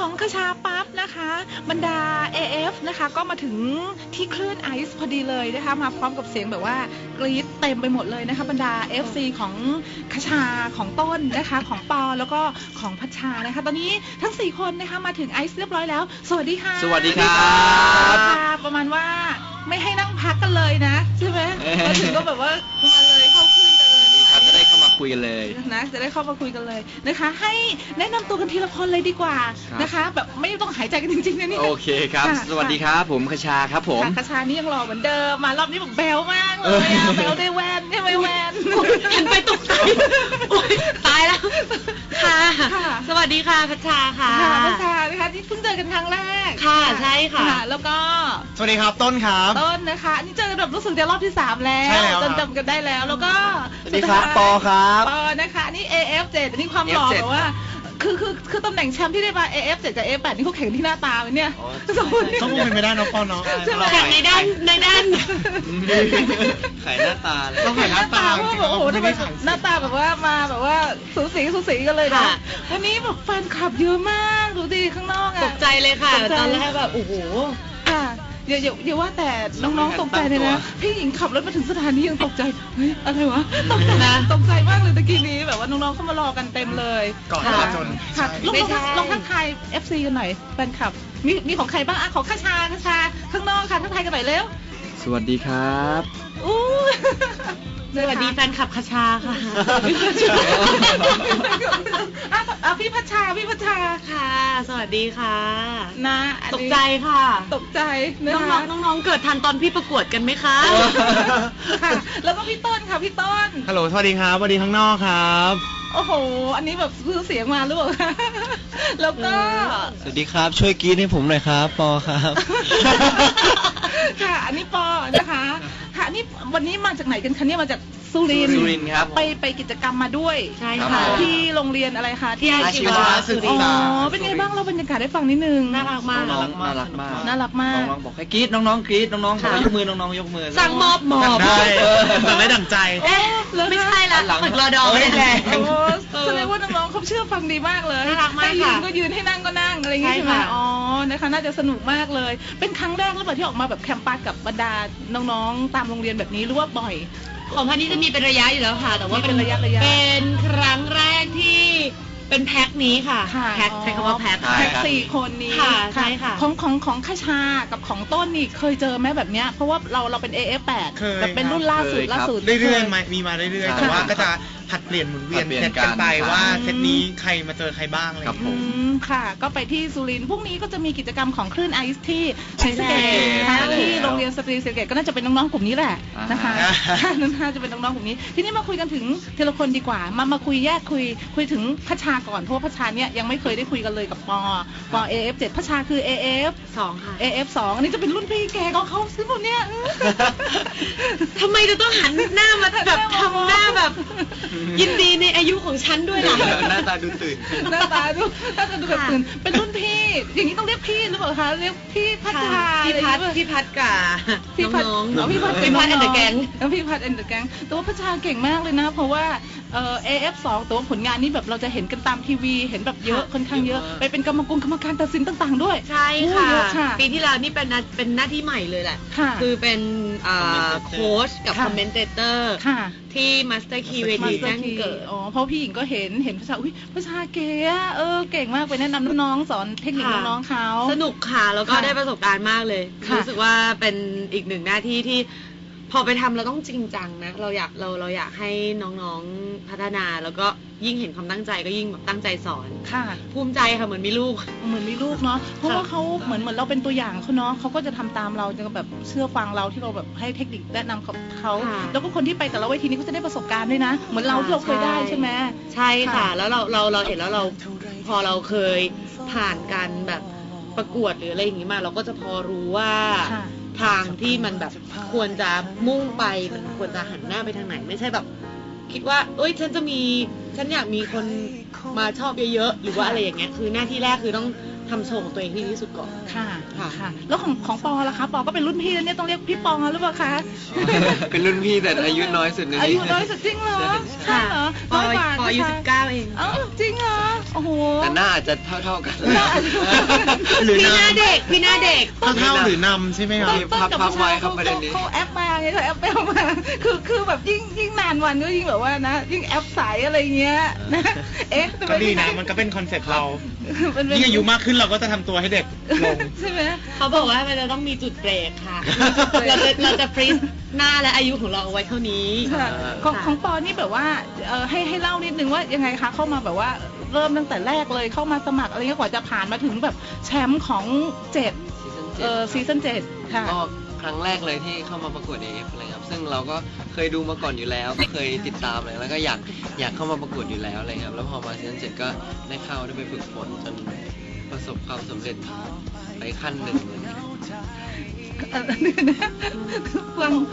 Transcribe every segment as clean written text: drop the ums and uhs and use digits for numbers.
ของคชาปั๊บนะคะบรรดา AF นะคะก็มาถึงที่คลื่นไอซ์พอดีเลยนะคะมาพร้อมกับเสียงแบบว่ากรี๊ดเต็มไปหมดเลยนะคะบรรดา FC ของคชาของต้นนะคะของปอแล้วก็ของพัชชานะคะตอนนี้ทั้ง4คนนะคะมาถึงไอซ์เรียบร้อยแล้วสวัสดีค่ะสวัสดีครับประมาณว่าไม่ให้นั่งพักกันเลยนะใช่ไหมมาถึงก็แบบว่ามาเลยเข้าคลื่นกันเลยจะได้เข้ามาคุยกันเลยนะจะได้เข้ามาคุยกันเลยนะคะให้แนะนำตัวกันทีละคนเลยดีกว่านะคะแบบไม่ต้องหายใจกันจริงๆนะนี่โอเคครับสวัสดีครับผมคชาครับผมคชานี่ยังหล่อเหมือนเดิมมารอบนี้แบบแบลมากเลยแบลได้แวนใช่ไหมแวนเห็นไปตกใจตายแล้วค่ะสวัสดีค่ะคชาค่ะคชานะคะที่เพิ่งเจอกันครั้งแรกค่ะใช่ค่ะแล้วก็สวัสดีครับต้นครับต้นนะคะนี่เจอกันแบบรู้สึกจะรอบที่3แล้วจนจำกันได้แล้วก็สวัสดีครับปอครับปอนะคะนี่ AF7 นี่ความหล่อแบบว่าคือตำแหน่งแชมป์ที่ได้มา AF7 กับ AF8 นี่เขาแข่งที่หน้าตาไหมเนี่ยต้องเป็นไม่ได้น้องปอเนาะแข่งในด้านขายหน้าตาเลยต้องขายหน้าตาโอ้โหทำไมหน้าตาแบบว่ามาแบบว่าสูสีกันเลยนะวันนี้แบบแฟนคลับเยอะมากดูดิข้างนอกอะตกใจเลยค่ะตอนแรกแบบโอ้โหค่ะอย่าว่าแต่น้องๆตกใจเลยนะพี่หญิงขับรถมาถึงสถานียังตกใจเฮ้ยอะไรวะตกใจมากเลยตะกี้นี้แบบว่าน้องๆเข้ามารอกันเต็มเลยก่อนจนค่ะลงทักทาย FC กันหน่อยแฟนคลับมีของใครบ้างอ่ะของคชาข้างนอกค่ะทักทายกันหน่อยเร็วสวัสดีครับสวัสดีแฟนคลับคชาค่ะพี่พัชชาค่ะสวัสดีค่ะนะตกใจค่ะตกใจน้องเกิดทันตอนพี่ประกวดกันไหมคะค่ะแล้วก็พี่ต้นค่ะพี่ต้นฮัลโหลสวัสดีครับสวัสดีข้างนอกครับโอ้โหอันนี้แบบซื้อเสียงมาหรือเปล่าแล้วก็สวัสดีครับช่วยกรี๊ดให้ผมหน่อยครับปอครับค่ะอันนี้ปอนะคะค่ะนี่วันนี้มาจากไหนกันคะเนี่ยมาจากสุรินทร์ครับไปกิจกรรมมาด้วยใช่ค่ะที่โรงเรียนอะไรคะที่อาชีวศึกษาเป็นไงบ้างเราบรรยากาศได้ฟังนิดนึงน่ารักมากน่ารักมากน้องบอกให้กรี๊ดน้องกรี๊ดน้องบอกยกมือน้องยกมือสั่งมอบได้สั่งได้ดั่งใจไม่ใช่ละฝึกรอดอไม่ได้แสดงว่าน้องๆเขาเชื่อฟังดีมากเลยน่ารักมากค่ะให้ยืนก็ยืนให้นั่งก็นั่งอะไรอย่างงี้ใช่ไหมอ๋อนะคะน่าจะสนุกมากเลยเป็นครั้งแรกหรือเปล่าที่ออกมาแบบแคมปัสกับบรรดาน้องๆตามโรงเรียนแบบนี้หรือว่าบ่อยของพันนี้จะมีเป็นระยะอยู่แล้วค่ะแต่ว่าเป็นระยะเป็นครั้งแรกที่เป็นแพ็คนี้ค่ะแพ็คใช้คำว่าแพ็ค 4 คนนี้ใช่ค่ะของคชากับของต้นนี่เคยเจอไหมแบบเนี้ยเพราะว่าเราเป็น AF8 แต่เป็นรุ่นล่าสุดเรื่อยๆมีมาเรื่อยๆแต่ว่าก็จะผัดเปลี่ยนหมุนเวียนเซตกันไปว่าเซตนี้ใครมาเจอใครบ้างอะไรอย่างเงี้ยค่ะก็ไปที่สุรินทร์พรุ่งนี้ก็จะมีกิจกรรมของคลื่นไอซ์ที่ศรีสะเกษที่โรงเรียนสตรีศรีสะเกษก็น่าจะเป็นน้องๆกลุ่มนี้แหละนะคะน่าจะเป็นน้องๆกลุ่มนี้ทีนี้มาคุยกันถึงทีละคนดีกว่ามาคุยแยกคุยถึงพัชชาก่อนเพราะว่าพัชชาเนี่ยยังไม่เคยได้คุยกันเลยกับปอ AF7 พัชชาคือ AF2 ค่ะ AF2 อันนี้จะเป็นรุ่นพี่แกของเขาซึ่งคนเนี้ยทำไมจะต้องหันหน้ามาแบบทำหน้าแบบยินดีในอายุของฉันด้วยล่ะหน้าตาดูตื่นหน้าตาดูแบบตื่นเป็นรุ่นพี่อย่างนี้ต้องเรียกพี่หรือเปล่าคะเรียกพี่พัชชาพี่พัดกับน้องพี่พัดแอนเดอะแก๊งพี่พัดแอนเดอะแก๊งแต่ว่าพัชชาเก่งมากเลยนะเพราะว่าAF2 แต่ว่าผลงานนี่แบบเราจะเห็นกันตามทีวีเห็นแบบเยอะค่อนข้างเยอะไปเป็นกรรมการตัดสินต่างๆด้วยใช่ค่ะปีที่แล้วนี่เป็นหน้าที่ใหม่เลยแหละคือเป็นโค้ชกับคอมเมนเตเตอร์ที่มาสเตอร์คีเวทีแจ้งเกิดเพราะพี่หญิงก็เห็นพัชชาพัชชาเก๋เก่งมากไปแนะนำน้องๆสอนเทคนิคน้องๆเขาสนุกค่ะแล้วก็ได้ประสบการณ์มากเลยรู้สึกว่าเป็นอีกหนึ่งหน้าที่ที่พอไปทำเราต้องจริงจังนะเราอยากให้น้องๆพัฒนาแล้วก็ยิ่งเห็นความตั้งใจก็ยิ่งแบบตั้งใจสอนค่ะภูมิใจค่ะเหมือนมีลูกเนาะเพราะว่าเขาเหมือนเราเป็นตัวอย่างเขาเนาะเขาก็จะทำตามเราจะแบบเชื่อฟังเราที่เราแบบให้เทคนิคแนะนำเขาแล้วก็คนที่ไปแต่ละเวทีนี้ก็จะได้ประสบการณ์ด้วยนะเหมือนเราที่เราเคยได้ใช่ไหมใช่ค่ะแล้วเราเห็นแล้วเราพอเราเคยผ่านการแบบประกวดหรืออะไรอย่างนี้มาเราก็จะพอรู้ว่าทางที่มันแบบควรจะมุ่งไปมันควรจะหันหน้าไปทางไหนไม่ใช่แบบคิดว่าฉันอยากมีคนมาชอบเยอะๆหรือว่าอะไรอย่างเงี้ยคือหน้าที่แรกคือต้องทำโชว์ของตัวเองที่ดีที่สุดก่อนค่ะค่ะค่ะ แล้วของปอล่ะคะปอก็เป็นรุ่นพี่แล้วเนี่ยต้องเรียกพี่ปอหรือเปล่าคะเป็นรุ่นพี่แต่อายุน้อยสุดในอานี้ยุน้อยสุดจริงเหรอใช่ใช่เหรอน้อยกว่าปออายุนะคะ 19 เองเอ้าจริงเหรอโอ้โหแต่หน้าอาจจะเท่ากันหน้าอาจจะหรือพี่หน้าน้ำเด็กพี่หน้าเด็กเท่าหรือนำใช่ไหมครับพักไว้ครับประเด็นนี้เขาแอปมาไงเขาแอปไปเอามาคือแบบยิ่งนานวันก็ยิ่งแบบว่านะยิ่งแอปใสอะไรเงี้ยนะเอ๊ะทำไมก็ดีนะมันก็เป็นคอนเซ็ปต์เรามันเป็นยิ่งอายุมากขึ้นเราก็จะทำตัวให้เด็กลงใช่ไหมเขาบอกว่ามันจะต้องมีจุดเบรกค่ะ เราจะฟรีซหน้าและอายุของเราเอาไว้เท่านี้ค่ะของปอนี่แบบว่าให้เล่านิดนึงว่ายังไงคะเข้ามาแบบว่าเริ่มตั้งแต่แรกเลยเข้ามาสมัครอะไรเงี้ยกว่าจะผ่านมาถึงแบบแชมป์ของซีซั่น7ค่ะก็ครั้งแรกเลยที่เข้ามาประกวด AF อะไรครับซึ่งเราก็เคยดูมาก่อนอยู่แล้วก็เคยติดตามเลยแล้วก็อยากเข้ามาประกวดอยู่แล้วอะไรครับแล้วพอมาซีซั่น7ก็ได้เข้าได้ไปฝึกฝนจนประสบความสำเร็จไปขั้นหนึ่งเลยฟัง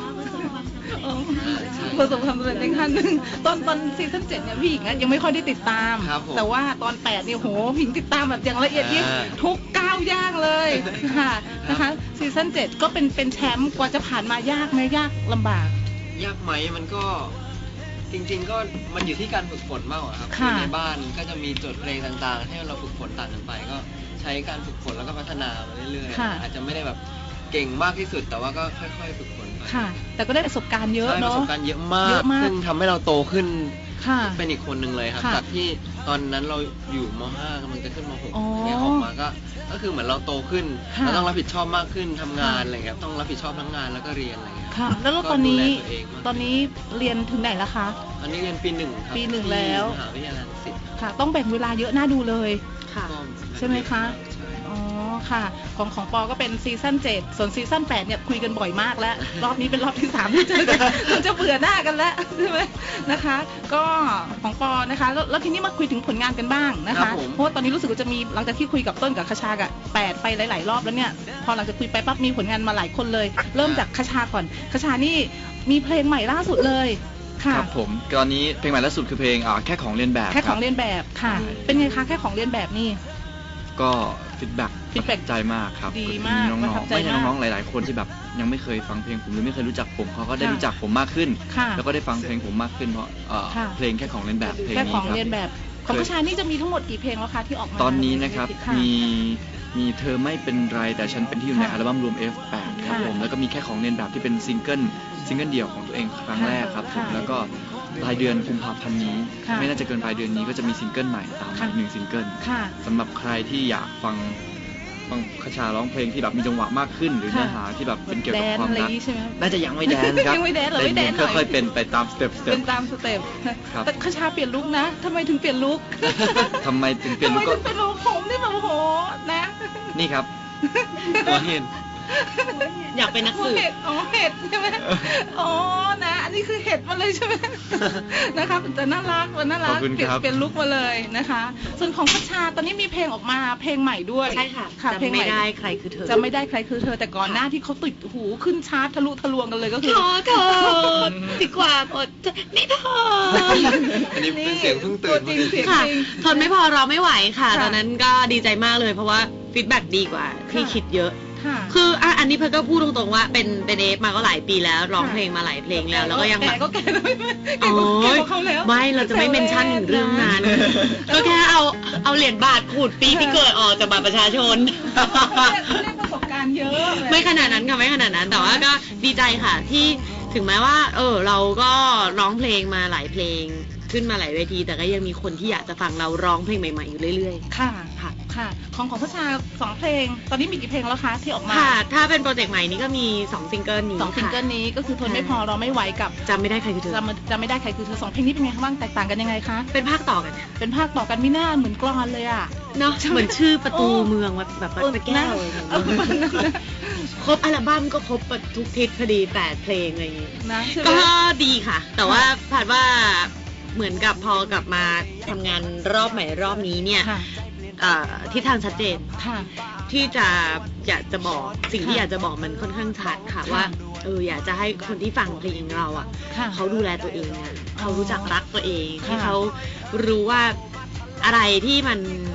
ประสบความสำเร็จในขั้นหนึ่งตอนซีซั่น7เนี่ยพี่หญิงอะยังไม่ค่อยได้ติดตาม แต่ว่าตอน8เนี่ยโหพี่หญิงติดตามแบบอย่างละเอียดยิบทุกก้าวย่างเลยค่ะนะคะซีซั่น7ก็เป็นแชมป์กว่าจะผ่านมายากไหมยากลำบากยากไหมมันก็จริงๆก็มันอยู่ที่การฝึกฝนมากกว่าครับค่ะในบ้านก็จะมีโจทย์เพลงต่างๆให้เราฝึกฝนต่างกันไปก็ใช้การฝึกฝนแล้วก็พัฒนามาเรื่อยๆอาจจะไม่ได้แบบเก่งมากที่สุดแต่ว่าก็ค่อยๆฝึกฝนไปค่ะ แต่ก็ได้ประสบการณ์เยอะใช่ปเนาะระสบการณ์เยอะมากเยอะมากซึ่งทำให้เราโตขึ้นค่ะเป็นอีกคนหนึ่งเลยครับค่ะจากที่ตอนนั้นเราอยู่ม .5 กำลังจะขึ้นมอ๋อ .6 เนี่ยออกมาก็คือเหมือนเราโตขึ้นค่ะเราต้องรับผิดชอบมากขึ้นทำงานค่ะอะไรเงี้ยต้องรับผิดชอบทั้งงานแล้วก็เรียนอะไรเงี้ยค่ะ แล้วตอนนี้ก็ดูแลตัวเองมากตอนนี้เรียนถึงไหนแล้วคะอันนี้เรียนปีหนึ่งครับปีหนึ่งแล้วที่มหาวิทยาลัยรังสิตค่ะ ต้องแบ่งเวลาเยอะน่าดูเลยค่ะก็ใช่ไหมคะใช่อ๋อ ค่ะ ของปอก็เป็นซีซั่น7ส่วนซีซั่น8เนี่ยคุยกันบ่อยมากแล้ว รอบนี้เป็นรอบที่3ที่เจอกันมันจะเบื่อหน้ากันแล้วใช่ไหมนะคะ ก็ของปอนะคะแล้วทีนี้มาคุยถึงผลงานกันบ้างนะคะ เพราะว่าตอนนี้รู้สึกว่าจะมีหลังจากที่คุยกับต้นกับคชากับ8ไปหลายๆรอบแล้วเนี่ย พอหลังจากคุยไปปั๊บมีผลงานมาหลายคนเลย เริ่มจากคชาก่อนคชานี่มีเพลงใหม่ล่าสุดเลยค่ะครับผมตอนนี้เพลงใหม่ล่าสุดคือเพลงแค่ของเลียนแบบแค่ของเรียนรับแบบค่ะ เป็นไงคะแค่ของเรียนแบบนี่ก็ฟีดแบ็ก feedback ใจมากครับดีมากน้องประทับๆใจไม่ใช่มากน้องๆหลายๆคนที่แบบยังไม่เคยฟังเพลงผมหรือไม่เคยรู้จักผมเขาก็ได้ค่ะรู้จักผมมากขึ้นค่ะแล้วก็ได้ฟังเพลงผมมากขึ้นเพราะค่ะเพลงแค่ของเลียนแบบเพลงแค่นี้ของครับเรียนแบบของผู้ชายนี่จะมีทั้งหมดกี่เพลงแล้วคะที่ออกมาตอนนี้นะครับค่ะมีเธอไม่เป็นไรแต่ฉันเป็นที่อยู่ในค่ะอัลบั้มรวม F8 ครับค่ะผมแล้วก็มีแค่ของเลียนแบบที่เป็นซิงเกิลเดี่ยวของตัวเองครั้งแรกครับผมค่ะแล้วก็ปลายเดือนกุมภาพันธ์นี้ค่ะไม่น่าจะเกินปลายเดือนนี้ก็จะมีซิงเกิลใหม่ตามมาค่ะอีก1ซิงเกิลค่ะสำหรับใครที่อยากฟังคชาร้องเพลงที่แบบมีจังหวะมากขึ้น หรือค่ะเนื้อหาที่แบบเป็นเกี่ยวแดกับนความอะไรอรัย่าก งงี้ใช่ไหมน่าจะยังไม่แดนครับยังไม่แดนเหรอไม่แดนหน่อยค่อยๆเป็นไปตามสเต็ปเป็นตามสเต็ปครับแต่คชาเปลี่ยนลุคนะทำไมถึงเปลี่ยนลุคทำไมถึงเปลี่ยนทำไมลุคก็ถึงเป็นลุคผมนี่แบบโอ้โหนะนี่ครับตัวเห็นอยากเป็นนักสืบเห็ดอ๋อเห็ดใช่ไหมอ๋อนะอันนี้คือเห็ดมาเลยใช่ไหมนะคะแต่น่ารักมันน่ารักขอบคุณเปลี่ยนครับเปลี่ยนลุคมาเลยนะคะ ส่วนของคชาตอนนี้มีเพลงออกมาเพลงใหม่ด้วยใช่ค่ะเพลงจำใหไม่ม่ได้ใครคือเธอจะไม่ได้ใครคือเธอแต่ก่อนหน้าที่เขาติดหูขึ้นชาร์ตทะลุทะลวงกันเลยก็คือขอโทษดีกว่าอดจะนี่เธออันนี้เป็นเสียงเพิ่งตื่นตัวจริงเสียงค่ะจริงทนไม่พอรอไม่ไหวค่ะค่ะตอนนั้นก็ดีใจมากเลยเพราะว่าฟีดแบ็กดีกว่าที่ค่ะคิดเยอะค่ะคืออันนี้เพิ่งก็พูดตรงๆว่าเป็นเอฟมาก็หลายปีแล้วร้องเพลงมาหลายเพลงแล้วแล้วก็ยังแบบแก่ก็แก่แล้วไม่โอ้ยแก่กว่าเขาแล้วไม่เราจะไม่เมนชั่นถึงเรื่องนั้น ก็แค่เอาเหรียญบาทขูดปีที่เกิดออกจากบัตรประชาชนเขาเรียกประสบการณ์เยอะไม่ขนาดนั้นค่ะไม่ขนาดนั้น แต่ว่าก็ดีใจค่ะที่ถึงแม้ว่าเราก็ร้องเพลงมาหลายเพลงขึ้นมาหลายเวที แต่ก็ยังมีคนที่อยากจะฟังเราร้องเพลงใหม่ๆอยู่เรื่อยค่ะๆ ค่ะค่ะ ของพระชา2เพลง ตอนนี้มีกี่เพลงแล้วคะที่ออกมาค่ะ ถ้าเป็นโปรเจกต์ใหม่นี้ก็มี2ซิงเกิลนี้ 2ซิงเกิลนี้ก็คือทนไม่พอเราไม่ไหวกับจำไม่ได้ใครคือเธอจำไม่ได้ใครคือเธอ2เพลงนี้เป็นไงคะบ้างแตกต่างกันยังไงคะเป็นภาคต่อกันเป็นภาคต่อกันไม่น่าเหมือนกลอนเลยอ่ะเนาะใช่ไหมเหมือนชื่อประตูโอ้เมืองแบบวัดพระแก้วอะไรอย่างเงี้ยเออประมาณนั้นนะครบอัลบั้มก็ครบทุกทิศพอดี8เพลงอะไรอย่างงี้นะใช่ไหมก็ดีค่ะ แต่ว่าผ่านว่าเหมือนกับพอกลับมาทำงานรอบใหม่รอบนี้เนี่ยค่ะทิศทางชัดเจนค่ะที่จะอยากจะบอกสิ่งที่ค่ะอยากจะบอกมันค่อนข้างชัดค่ะค่ะว่าอยากจะให้คนที่ฟังเพลงเราอ่ะค่ะเขาดูแลตัวเองอะเขารู้จักรักตัวเองค่ะให้เขารู้ว่าอะไรที่มัน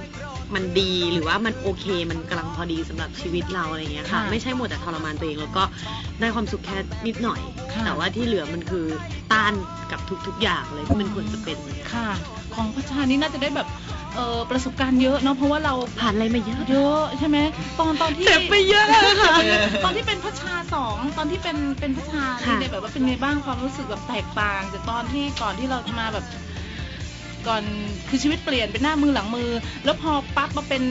มันดีหรือว่ามันโอเคมันกำลังพอดีสำหรับชีวิตเราอะไรเงี้ยค่ะไม่ใช่หมดแต่ทรมานตัวเองแล้วก็ได้ความสุขแค่นิดหน่อยแต่ว่าที่เหลือมันคือต้านกับทุกๆอย่างเลยที่มันควรจะเป็นค่ะของพัชชานี่น่าจะได้แบบประสบการณ์เยอะเนาะเพราะว่าเราผ่านอะไรมาเยอะใช่ไหมตอนที่เจ็บไปเยอะค่ะตอนที่เป็นพัชชา2ตอนที่เป็นพัชชาเนี่ยแบบว่าเป็นไงบ้างความรู้สึกแบบแตกต่างจากตอนที่ก่อนที่เราจะมาแบบก่อนคือชีวิตเปลี่ยนเป็นหน้ามือหลังมือแล้วพอปั๊บมาเป็น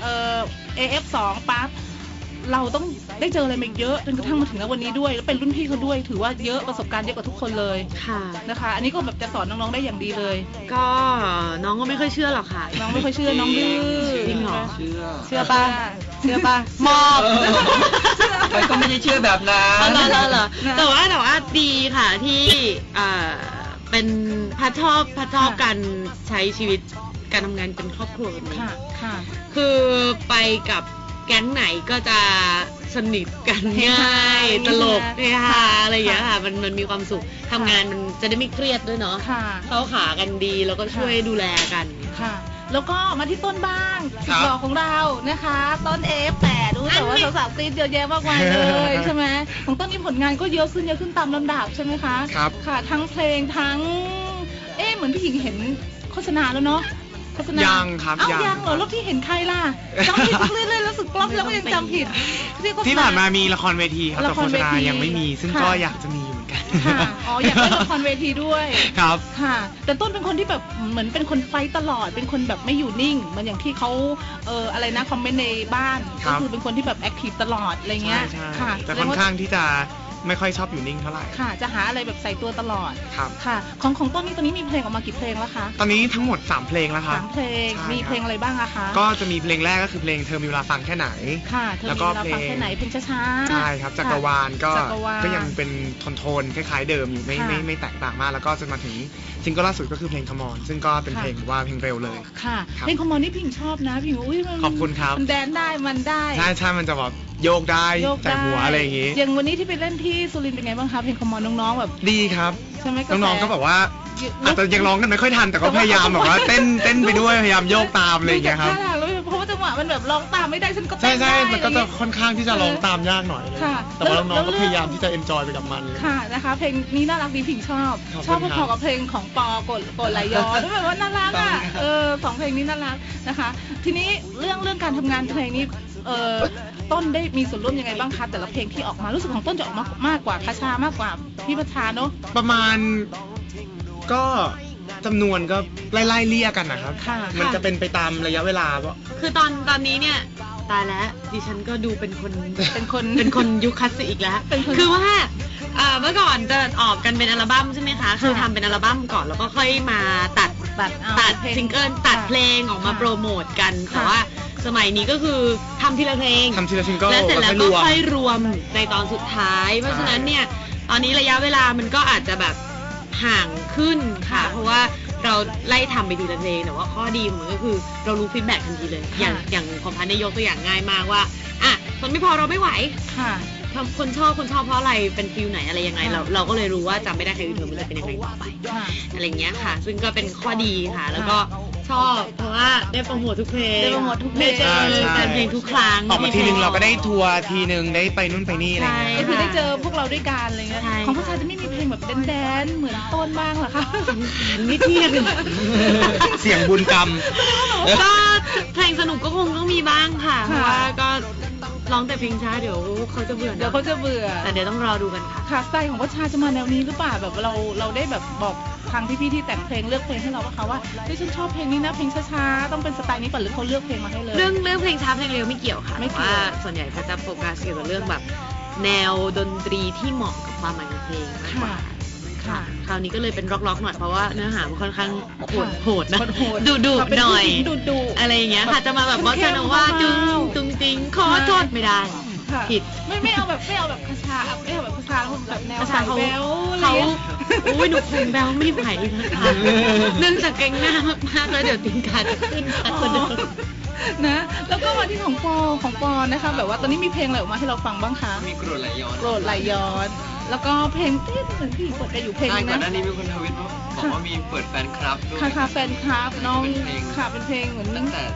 AF2 ปั๊บเราต้องได้เจออะไรมาเยอะจนกระทั่งมาถึงวันนี้ด้วยแล้วเป็นรุ่นพี่เขาด้วยถือว่าเยอะประสบการณ์เยอะกว่าทุกคนเลยค่ะนะคะอันนี้ก็แบบจะสอนน้องๆได้อย่างดีเลยก็น้องก็ไม่ค่อยเชื่อหรอกค่ะน้องไม่ค่อยเชื่อน้องดื้อจริงเหรอเชื่อป่ะมอบมันก็ไม่ได้เชื่อแบบนั้นแต่ว่าดีค่ะที่เป็นพัดชอบการใช้ชีวิตการทำงานเป็นครอบครัวแบบนี้คือไปกับแก๊งไหนก็จะสนิทกันง่ายตลกเฮฮาอะไรอย่างเงี้ยค่ะมันมีความสุขทำงานมันจะได้ไม่เครียดด้วยเนาะเข้าขากันดีแล้วก็ช่วยดูแลกันค่ะแล้วก็มาที่ต้นบ้างสุดหล่อของเรานะคะต้น F8 ดูแต่ว่าสาวๆตีเยอะแยะมากมายเลยใช่ไหมของต้นนี้ผลงานก็เยอะขึ้นตามลำดับใช่ไหมคะครับค่ะทั้งเพลงทั้งเหมือนพี่หญิงเห็นโฆษณาแล้วเนาะยังครับยังเหรอแล้วพี่เห็นใครล่ะจำผิดเรื่อยๆแล้วสึกกล้องแล้วก็ยังจำผิดที่ผ่านมามีละครเวทีครับแต่โฆษณายังไม่มีซึ่งก็อยากจะมีอยู่เหมือนกันอยากเล่นละครเวทีด้วยครับค่ะแต่ต้นเป็นคนที่แบบเหมือนเป็นคนไฟตลอดเป็นคนแบบไม่อยู่นิ่งเหมือนอย่างที่เขาอะไรนะคอมเมนต์ในบ้านก็คือเป็นคนที่แบบแอคทีฟตลอดอะไรเงี้ยค่ะแต่ค่อนข้างที่จะไม่ค่อยชอบอยู่นิ่งเท่าไหร่ค่ะจะหาอะไรแบบใส่ตัวตลอดครับค่ะของต้นนี้ตอนนี้มีเพลงออกมากี่เพลงแล้วคะตอนนี้ทั้งหมด3เพลงแล้วค่ะ 3เพลงมีเพลงอะไรบ้างอะคะก็จะมีเพลงแรกก็คือเพลงเธอมีเวลาฟังแค่ไหนค่ะแล้วก็เพลงแค่ไหนเพลงช้าๆใช่ครับจักรวาลก็ยังเป็นโทนคล้ายๆเดิมอยู่ไม่แตกต่างมากแล้วก็จะมาถึงซิงเกิลล่าสุดก็คือเพลง Come On ซึ่งก็เป็นเพลงว่าเพลงเร็วเลยค่ะเพลง Come On นี่พิงชอบนะพิงอุ้ยขอบคุณครับมันแดนได้มันได้ใช่มันจะแบบโยกได้จากหัวอะไรอย่างงี้อย่างวันนี้ที่ไปเล่นที่สุรินทร์เป็นไงบ้างคะเพลง Come On น้องๆแบบดีครับใช่ไหมน้องๆก็แบบว่าอาจจะยังร้องกันไม่ค่อยทันแต่ก็พยายามแบบว่าเต้นไปด้วยพยายามโยกตามอะไรอย่างเงี้ยครับเพราะว่าจังหวะมันแบบร้องตามไม่ได้ฉันก็เต้นใช่มันก็จะค่อนข้างที่จะร้องตามยากหน่อยแต่ว่าน้องๆก็พยายามที่จะเอนจอยไปกับมันค่ะนะคะเพลงนี้น่ารักดีพิงชอบพอๆกับเพลงของปอกดไหลย้อนแบบว่าน่ารักอ่ะ2เพลงนี้น่ารักนะคะทีนี้เรื่องการทำงานเพลงนี้ต้นได้มีส่วนร่วมยังไงบ้างคะแต่ละเพลงที่ออกมารู้สึกของต้นจะออกมากกว่าพัชชามากกว่าพี่พัชชาเนาะประมาณก็จำนวนก็ไล่เลี่ยกันนะครับมันจะเป็นไปตามระยะเวลาคือตอนนี้เนี่ยตายแล้วดิฉันก็ดูเป็นคนยุคคลาสสิกอีกแล้วคือว่าเมื่อก่อนจะออกกันเป็นอัลบั้มใช่ไหมคะคือทำเป็นอัลบั้มก่อนแล้วก็ค่อยมาตัดซิงเกิลตัดเพลงออกมาโปรโมทกันแต่ว่าสมัยนี้ก็คือทำทีละเพลงทำทีละซิงเกิลแล้วเสร็จแล้วก็ค่อยรวมในตอนสุดท้ายเพราะฉะนั้นเนี่ยตอนนี้ระยะเวลามันก็อาจจะแบบห่างขึ้นค่ะเพราะว่าเราไล่ทำไปทีละเพลงแต่ว่าข้อดีของมันก็คือเรารู้ฟีดแบ็กทันทีเลยอย่างของพันธุ์ยกตัวอย่างง่ายมากว่าคนไม่พอเราไม่ไหวค่ะคนชอบเพราะอะไรเป็นฟิลไหนอะไรยังไงเราก็เลยรู้ว่าจำไม่ได้ใครคือเธอมันจะเป็นยังไงต่อไปอะไรเงี้ยค่ะซึ่งก็เป็นข้อดีค่ะแล้วก็ชอบเพราะว่าได้โปรโมททุกเพลงได้โปรโมททุกเพลงเพลงทุกครั้งออกมาทีนึงเราก็ได้ทัวร์ทีนึงได้ไปนู่นไปนี่อะไรเงี้ยก็คือได้เจอพวกเราด้วยกันอะไรเงี้ยของพัชชาจะไม่มีเพลงแบบแดนเหมือนต้นบ้างหรอคะนิดเดียวเสียงบุญกรรมก็เพลงสนุกก็คงต้องมีบ้างค่ะเพราะว่าก็ร้องแต่เพลงช้าเดี๋ยวเขาจะเบื่อแต่เดี๋ยวต้องรอดูกันค่ะค่ะสไตล์ของพัชชาจะมาแนวนี้หรือเปล่าแบบเราได้แบบบอกทางพี่ๆที่แต่งเพลงเลือกเพลงให้เราว่าฉันชอบเพลงนี้นะเพลงช้าๆต้องเป็นสไตล์นี้ป่ะหรือเขาเลือกเพลงมาให้เลยเรื่องเพลงช้าเพลงเร็วไม่เกี่ยวค่ะแต่ว่าส่วนใหญ่เขาจะโฟกัสเกี่ยวกับเรื่องแบบแนวดนตรีที่เหมาะกับความหมายของเพลงมากกว่าคราวนี้ก็เลยเป็นร็อกๆหน่อยเพราะว่าเนื้อหามันค่อนข้างโหดนะดุหน่อยอะไรอย่างเงี้ยค่ะจะมาแบบว่าจะนว่าจุงจริงขอโทษไม่ได้ผิดไม่เอาแบบคาชาไม่เอาแบบคาชาแบบแนวสายแบลเขาอุ้ยหนูคงแบลไม่ไหวนะคะเนื่องจากเก่งหน้ามากๆแล้วเดี๋ยวติงกาจะขึ้นคนเดิมนะแล้วก็มาที่ของปอนะคะแบบว่าตอนนี้มีเพลงอะไรออกมาให้เราฟังบ้างคะมีโกรธไหลย้อนแล้วก็เพลงที่เหมือนพี่เปิดกันอยู่เพลงนึงนะก่อนหน้านี้มีคนทวิตบอกว่ามีเปิดแฟนคลับด้วยค่ะแฟนคลับน้องค่ะเป็นเพลงเหมือนตั้งแต่อ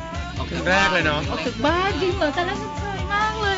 เพลงแรกเลยเนาะออกจากบ้านจริงเหรอแต่แรกฉันเฉยมากเลย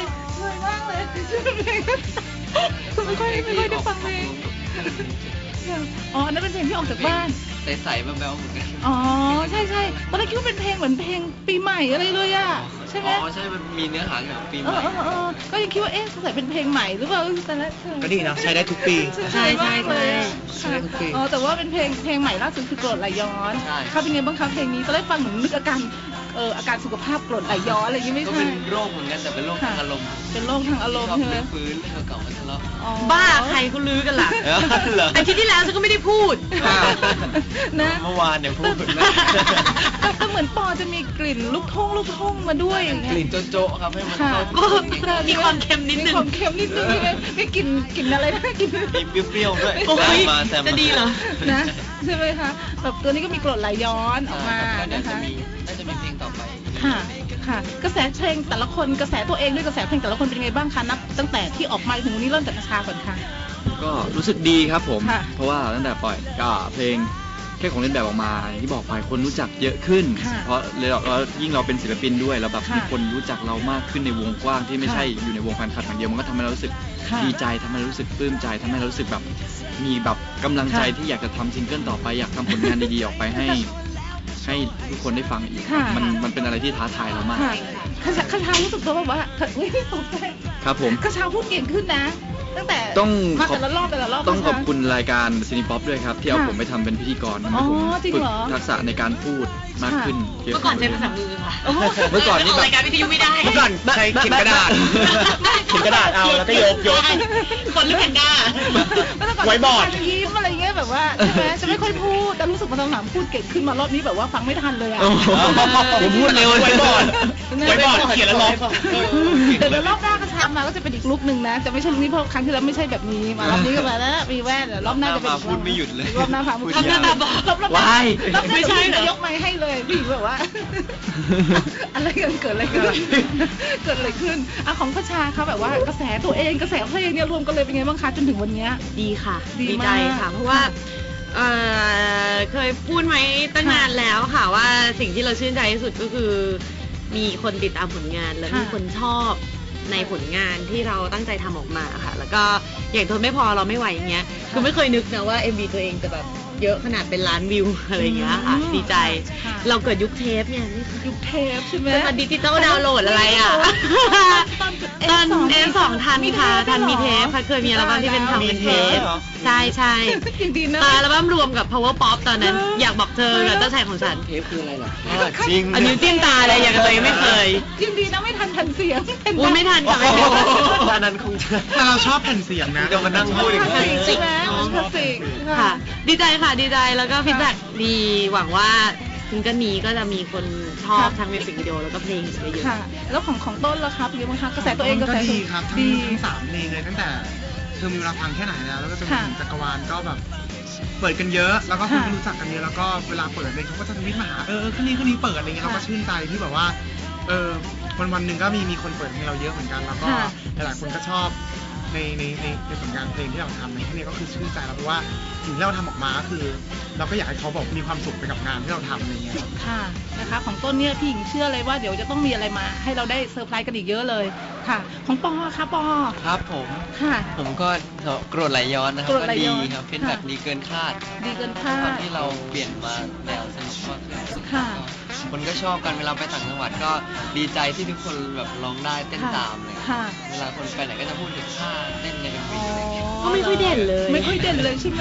ไม่ค่อยได้ฟังเพลงอ๋อนั่นเป็นเพลงที่ออกจากบ้านใสๆแบ๊วๆเหมือนกันอ๋อใช่ตอนแรกคิดว่าเป็นเพลงเหมือนเพลงปีใหม่อะไรเลยอ่ะใช่ไหมอ๋อใช่มันมีเนื้อหาเกี่ยวกับปีใหม่ก็ยังคิดว่าสงสัยเป็นเพลงใหม่หรือเปล่าแต่ละก็ดีนะใช้ได้ทุกปีใช่ใช่ทุกปีอ๋อแต่ว่าเป็นเพลงใหม่ล่าสุดคือกรดไหลย้อนค่ะเป็นไงบ้างคะเพลงนี้ตอนแรกฟังเหมือนนึกอาการสุขภาพกรดไหลย้อนอะไรอย่างงี้ไม่ก็ใช่เป็นโรคเหมือนกันแต่เป็นโรคทางอารมณ์เป็นโรคทางอารมณ์ชอบใช่ไหมเรื่องฟื้นเรื่องเก่าๆมาทะเลาะบ้าใครเขาลื้อกันล่ะเหรออาทิตย์ที่แล้วฉันก็ไม่ได้พูดนะเมื่อวานเนี่ยพูดนะแต่เหมือนปอจะมีกลิ่นลูกทุ่งมาด้วยอย่างเงี้ยกลิ่นโจ๊ะๆครับให้มันเข้ามีความเค็มนิดนึงมีความเค็มนิดนึงใช่ไหมไม่กลิ่นอะไรนะกลิ่นมีเปรี้ยวๆด้วยโอ้ยมาแซมจะดีเหรอนะใช่ไหมคะแบบตัวนี้ก็มีกรดไหลย้อนออกมาเดี๋ยวนะคะน่าจะมีเพลงต่อไปค่ะกระแสเพลงแต่ละคนกระแสตัวเองด้วยกระแสเพลงแต่ละคนเป็นไงบ้างคะนับตั้งแต่ที่ออกมาถึงวันนี้เริ่มจากกระชาก่อนค่ะก็รู้สึกดีครับผมค่ะเพราะว่าตั้งแต่ปล่อยก็เพลงแค่ของเล่นแบบออกมาอย่างที่บอกไปคนรู้จักเยอะขึ้นค่ะเพราะเรายิ่งเราเป็นศิลปินด้วยแล้วแบบค่ะมีคนรู้จักเรามากขึ้นในวงกว้างที่ไม่ค่ะใช่อยู่ในวงแฟนคลับอย่างเดียวมันก็ทำให้เรารู้สึกค่ะดีใจทำให้เรารู้สึกปลื้มใจทำให้เรารู้สึกแบบมีแบบกำลังใจค่ะที่อยากจะทำซิงเกิลต่อไปอยากทำผลงานดีๆออกไปให้ทุกคนได้ฟังอีกค่ะมันเป็นอะไรที่ท้าทายเรามากค่ะกระชารู้สึกตัวแบบว่าอุ๊ยตกใจครับผมกระชาพูดเก่งขึ้นนะ ตั้งแต่ต้องมาขอบแต่ละรอบต้องขอบนะะคุณรายการซินิป๊อปด้วยครับ ที่เอาค่ะผมไปทำเป็นพิธีกรทำให้อ๋อผมจริงฝึกเหรอทักษะในการพูดมากขึ้นเยอะเมื่อก่อนใช้ภาษามือค่ะโอ้โหเมื่อก่อนนี่ออกแบบรายการวิทยุไม่ได้เมื่อก่อนใช้เขียนกระดาษ เขียนกระดาษเอาแล้วก็ยกคนหรือแพนด้าแล้วแต่ก่อนไว้บอร์ดจะยิ้มอะไรเงี้ยแบบว่าใช่ไหมจะไม่ค่อยพูดแต่รู้สึกมาตอนหลังพูดเก่งขึ้นมารอบนี้แบบว่าฟังไม่ทันเลยอ่ะโอ้โหผมพูดเร็วไว้บอร์ด ไว้บอร์ดเขียนแล้วลบเดี๋ยวรอบหน้ากระชามาก็จะเป็นอีกลุกหนึ่งนะจะไม่ใช่ลุกนี้เพราะครั้งที่แล้วไม่ใช่แบบนี้มารอบนี้ก็มาแล้วมีแว่นเดี๋ยวรอบหน้าจะเป็นอีกพูดไม่หยุดเลยรอบหน้าพาพูดทำหน้าตาบอดรอบหน้าว้ายรอบหน้าไม่ใช่เหรอจะยกไมค์ให้เลยพี่แบบว่า อะไรกันเกิดอะไรขึ้นเกิดอะไรขึ้นอ่ะของพระชาเขาแบบว่ากระแสตัวเองกระแสเพลงเนี่ยรวมกันเลยเป็นไงบ้างคะจนถึงวันเนี้ยดีค่ะดีดีมากใจค่ะ เพราะว่าเคยพูดไหมตั้งนานแล้วค่ะว่าสิ่งที่เราชื่นใจที่สุดก็คือ มีคนติดตามผลงานและค่ะมีคนชอบในผลงานที่เราตั้งใจทำออกมาค่ะ แล้วก็อย่างทนไม่พอเราไม่ไหวอย่างเงี้ยคือไม่เคยนึกนะว่า MV ตัวเองจะแบบเยอะขนาดเป็นล้านวิวอะไรอย่างเงี้ยค่ะ ดีใจค่ะเราเกิดยุคเทปเนี่ยยุคเทปใช่ไหมจะมาดิจิตอลดาวน์โหลดอะไรอ่ะ ตอน F2 ทันค่ะทันมีเทปค่ะเคยมีอัลบั้มที่เป็นทำเป็นเทปใช่ใช่ยังดีนะตาอัลบั้มรวมกับ Power Pop ตอนนั้น อยากบอกเธอกับเจ้าชายของฉันเทปคืออะไรเหรอจริงอันนี้วจิ้มตาเลยอย่างกับตัวเองไม่เคยยังดีนะไม่ทันเสียงอุ้ยไม่ทันค่ะไม่ทันตอนนั้นคงจะแต่เราชอบแผ่นเสียงนะจะมานั่งพูดอีกคลาสสิกใช่ไหมมันคลาสสิกค่ะ ดีใจค่ะดีใจแล้วก็ฟีดแบ็กดีหวังว่าซิงเกิลนี้ก็จะมีคนชอบทั้งมิวสิกวิดีโอแล้วก็เพลงอีกเยอะค่ะ แล้วของต้นล่ะครับเป็นยังไงบ้างคะกระแสตัวเองกระก็แสดีครับทั้งดีทั้งสามเพลงเลยตั้งแต่เธอมีเวลาฟังแค่ไหนแล้วก็จนถึงจักรวาลก็แบบเปิดกันเยอะ แล้วก็คนที่รู้จักกันเยอะแล้วก็เวลาเปิดเลยเขาก็จะทวิตมาหาคนนี้เปิดอะไรเงี้ยเราก็ชื่นใจที่แบบว่าวันหนึ่งก็มีคนเปิดให้เราเยอะเหมือนกันแล้วก็หลายๆคนก็ชอบในผลงานเพลงที่เราทำในที่นี้ก็คือชื่นใจแล้วเพราะว่าสิ่งที่เราทำออกมาก็คือ เราก็อยากให้เขาบอกมีความสุขไปกับงานที่เราทำอะไรเงี้ยค่ะนะคะของต้นเนี่ยพี่หญิงเชื่อเลยว่าเดี๋ยวจะต้องมีอะไรมาให้เราได้เซอร์ไพรส์กันอีกเยอะเลยค่ะ ของปอค่ะปอครับผมค่ะผมก็โกรธไหลย้อนนะครับโกรธก็ไหลดีย้อนครับฟีดแบ็กค่ะดีเกินคาดดีเกินคาตอนดที่เราเปลี่ยนมาแนวสนุกมากขึ้นค่ะคนก็ชอบกันเวลาไปต่างจังหวัดก็ดีใจที่ทุกคนแบบร้องได้เต้นตามเลยค่ะเวลาคนไปไหนก็จะพูดถึงท่าเต้นในเป็นอ๋วีออะไรอย่างเงี้ยก็ไม่ค่อยเด่นเลยไม่ค่อยเด่นเลยใช่ไหม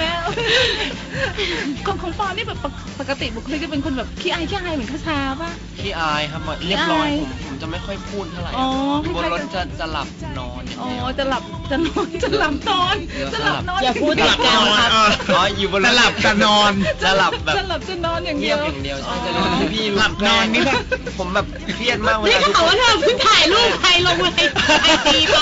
ของปอนี่แบบปกติบุคลิกจะเป็นคนแบบขี้อายเหมือนคาชาป่ะขี้อายครับเรียบร้อยขี้อายผมจะไม่ค่อยพูดเท่าไหร่อ๋ออยู่บนรถคล้ายๆจะหลับนอนอย่างอ๋อเดียวจะหลับนอนจะหลับนอนอย่าพูดติดกันครับอ๋ออยู่บนรถจะหลับจะนอนจะหลับแบบจะหลับจะนอนอย่างเดีเงียยว บอย่างเดียวใช่จะรู้ที่พี่หลับนอนนี่แบบผมแบบเครียดมากเวนี่ลาก็ทุกเขาคนว่าเธอเพิ่งถ่ายรูปใครลงในไอจีไป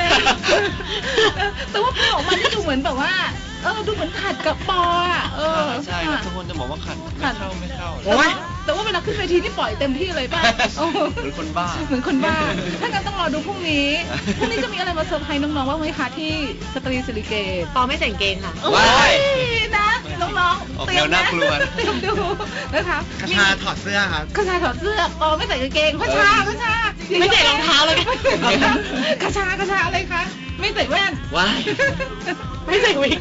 แต่ว่าพอออกมาที่ดูเหมือนแบบว่าดูเหมือนขัดกับปออ่ะใช่ครับทุกคนจะบอกว่าขัดไม่เข้าโอ๊ยแต่ว่าเวลาขึ้นเวทีนี่ปล่อยเต็มที่เลยป่ะเหมือนคนบ้าเหมือนคนบ้า ถ้างั้นต้องรอดูพรุ่งนี้ พรุ่งนี้จะมีอะไรมาเซอร์ไพรส์น้องๆว่างไหมคะที่สตรีสิริเกตปอไม่แต่งเกงค่ะว้ายนะน้องๆออกแนวน่ากลัวเตรียมดูนะคะคชาถอดเสื้อครับคชาถอดเสื้อปอไม่ใส่กางเกงคชาไม่ใส่รองเท้าเลยคชาอะไรคะไม่ใส่แว่นว้ายไม่ใส่วิก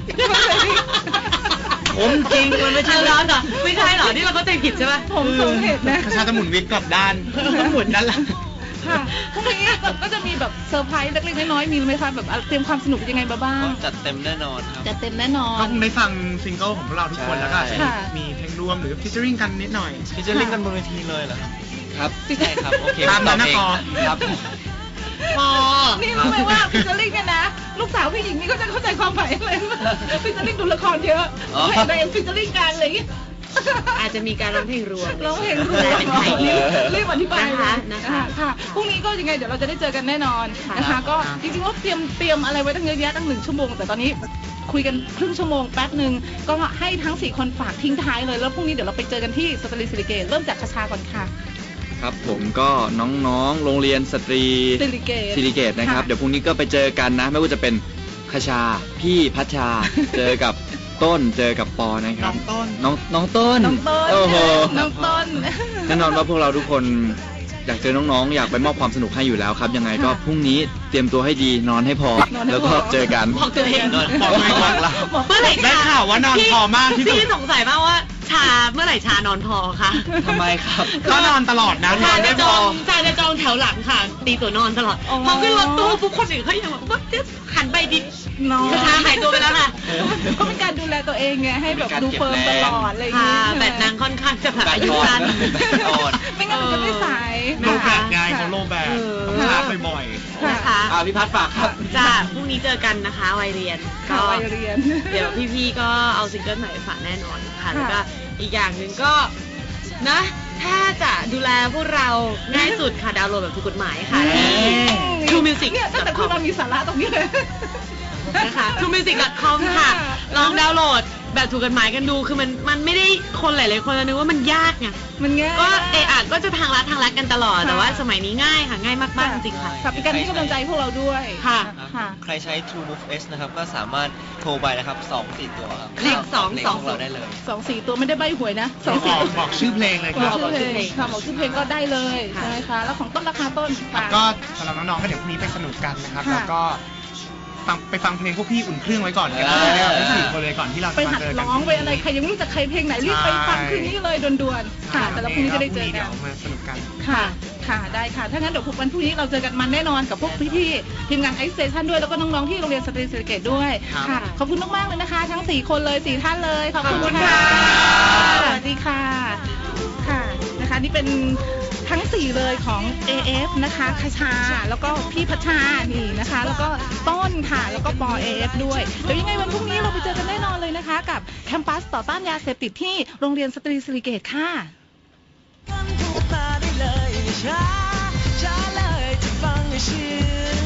ผมจริงมันไม่ใช่ร้อนเหรอไม่ใช่เหรอที่เราเข้าใจผิดใช่ไหมผมเห็นนะคชาจะหมุนวิกกลับด้านหมุนด้านหลังค่ะพรุ่งนี้ก็จะมีแบบเซอร์ไพรส์เล็กๆน้อยๆมีไหมคะแบบเตรียมความสนุกยังไงมาบ้างจัดเต็มแน่นอนครับจะเต็มแน่นอก็นคงได้ฟังซิงเกิลของพวกเราทุกคนใช่แล้วก็อาจจะค่ะมีเพลงรวมหรือฟิชเชอริงกันนิดหน่อยพี่จะเล่นกันบนเวทีเลยเหรอครับใช่ครับโอเคตามนั้นนะตอบปอเองครับพอนี่รู้ไหมว่าฟิชเชอร์ลิงเนี่ยนะลูกสาวพี่หญิงนี่ก็จะเข้าใจความหมายเลยฟิชเชอร์ลิงดูละครเยอะเห็นในฟิชเชอร์ลิงกันอะไรอย่างเงี้ยอาจจะมีการร้องเพลงรวมร้องเพลงรวมเป็นไทยรีบอธิบายเลยนะคะค่ะพรุ่งนี้ก็ยังไงเดี๋ยวเราจะได้เจอกันแน่นอนนะค่ะคะก็จริงๆว่าเตรียมอะไรไว้ตั้งเยอะแยะตั้ง1 ชั่วโมงแต่ตอนนี้คุยกันครึ่งชั่วโมงแป๊บหนึ่งก็ให้ทั้ง4 คนฝากทิ้งท้ายเลยแล้วพรุ่งนี้เดี๋ยวเราไปเจอกันที่สตรีสิริเกตเริ่มจากคชาก่อนค่ะครับผมก็น้องๆโรงเรียนสตรีสิริเกตสิริเกตนะครับ เดี๋ยวพรุ่งนี้ก็ไปเจอกันนะ ไม่ว่าจะเป็นคชาพี่พัชชา เจอกับต้นเจอกับปอนะครับน้องต้นน้องต้นน้องต้นโอ้โหน้องต้นแน่นอนว่าพวกเราทุกคนอยากเจอน้องๆ อยากไปมอบความสนุกให้อยู่แล้วครับ ยังไงก็ค่ะพรุ่งนี้เตรียมตัวให้ดีนอนให้พอนอนให้พอแล้วก็เจอกันบอกตัวเองนอนบอกตัวเองว่าเมื่อไหร่ได้ข่าวว่านอนพอมากที่สุดพี่สงสัยมากว่าชาเมื่อไหร่ชานอนพอคะทำไมครับก็นอนตลอดนะนชาอนจะไม่จพอองชาจะจองแถวหลังค่ะ ตีตัวนอนตลอดอ๋อพอขึ้นรถตู้ปุ๊บคนอื่นเขายังแบบว่าหันไปดิน้องชาหายตัวไปแล้วค่ะก็เป็นการดูแลตัวเองไงให้แบบดูเฟิร์มตลอดอะไรอย่างค่ะเงี้ยแบตนางค่อนข้างจะแบบแบตอายุอ่อนสั้นแบตอ่อนไม่งั้นมันจะไม่สายโลแบกไงเขาโลแบกเออต้องชาร์จบ่อยนะคะพี่พัดฝากครับจ้าพรุ่งนี้เจอกันนะคะวัยเรียนค่ะวัยเรียนเดี๋ยวพี่ๆก็เอาซิงเกิลใหม่ไปฝากแน่นอนค่ะค่ะแล้วก็อีกอย่างหนึ่งก็นะ ถ้าจะดูแลพวกเราง่ายสุดค่ะดาวน์โหลดแบบถูกกฎหมายค่ะที่ True Music เนี่ยตั้งแต่คุณมามีสาระตรงนี้เลยนะคะ truemusic.com ค่ะ ลองดาวน์โหลดแบบถูกกฎหมายกันดู คือมันไม่ได้คนหลายๆคนจะนึกว่ามันยากไงมันง่ายก็ก็จะทางลัดกันตลอดค่ะแต่ว่าสมัยนี้ง่ายค่ะง่ายมากๆจริงๆค่ะค่ะเป็นการให้กำลังใจพวกเราด้วยค่ะค่ะใครใช้ True Move S นะครับ ก็สามารถโทรไปนะครับ 2-4 ตัวครับเลขสองเลขสองของเราได้เลย 2-4 ตัวไม่ได้ใบหวยนะๆ 2-4 บอกชื่อเพลงเลยคบรัอบ กชื่อเพลงค่ะบอกชื่อเพลงก็ได้เลยค่ะใช่ไหมคะแล้วของต้นราคาต้นฝากก็สำหรับน้องๆก็เดี๋ยวพรุ่งนี้ไปสนุกกันนะครับค่ะแล้วก็ไปฟังเพลงพวกพี่อุ่นเครื่องไว้ก่อนกันอ่านะครับทั้ง4 คนเลยก่อนที่เราไปจะมาหัดเจอกันร้องไปอะไรใครยังไม่รู้จักใครเพลงไหนรีบไปฟังคืนนี้เลยด่วนๆค่ะ แต่ละพรุ่งนี้จะได้เจอเดี๋กัยนวมาสนุกกันค่ะ ค่ะ ได้ค่ะ ถ้างั้นเดี๋ยววันพรุ่งนี้เราเจอกันมันแน่นอนกับพวกพี่ๆทีมงานไอซ์สเตชันด้วย แล้วก็น้องๆที่โรงเรียนสตรีสิริเกตด้วยครับค่ะ ขอบคุณมากๆเลยนะคะ ทั้ง 4 คนเลย 4 ท่านเลย ขอบคุณขอบคุณค่ะค่ะสวัสดีค่ะ ค่ะ นะคะ นี่เป็นทั้ง 4 เลยของ AF นะคะคชา แล้วก็พี่พัชชา นี่นะคะ แล้วก็ต้นค่ะ แล้วก็ปอ AF ด้วย เดี๋ยวยังไงวันพรุ่งนี้เราไปเจอกันแน่นอนเลยนะคะ กับแคมปัสต่อต้านยาเสพติดที่โรงเรียนสตรีสิริเกตค่ะฟังถูกตาได้เลยช้าช้าเลยจะฟังให้ชื่น